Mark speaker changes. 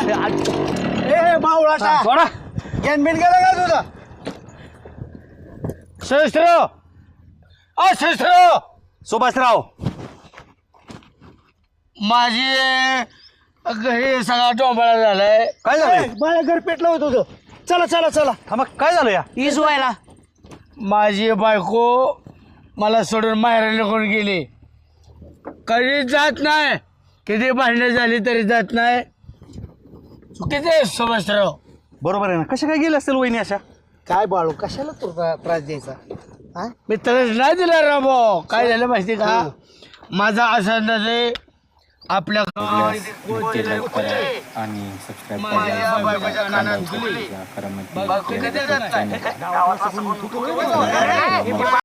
Speaker 1: ए बावळाटा
Speaker 2: सोडा
Speaker 1: गॅनबिन गेला का तुझा
Speaker 2: सहस्त्र सहस्त्र सुभाषराव
Speaker 3: माझी घरी सगळा डोंबाळा झालाय.
Speaker 2: काय झालंय
Speaker 1: मला घर पेटलं होतं तुझं. चला चला चला
Speaker 2: थांबा काय झालं या
Speaker 4: ईज व्हायला
Speaker 3: माझी बायको मला सोडून माहेर निघून गेली. कधीच जात नाही. किती भांडणं झाली तरी जात नाही. चुकीचं आहे सुभाषराव.
Speaker 2: बरोबर आहे ना कशा काय गेले असतील वहिनी अशा
Speaker 1: काय बाळू कशाला तुला त्रास द्यायचा हा
Speaker 3: मी त्रास नाही दिला राबो. काय झालं माहिती का माझा असा अंदाज आहे आपल्या
Speaker 5: आणि सबस्क्राईब
Speaker 3: माझ्या बायकोच्या कानात
Speaker 5: करा
Speaker 3: बायको कधी जात नाही.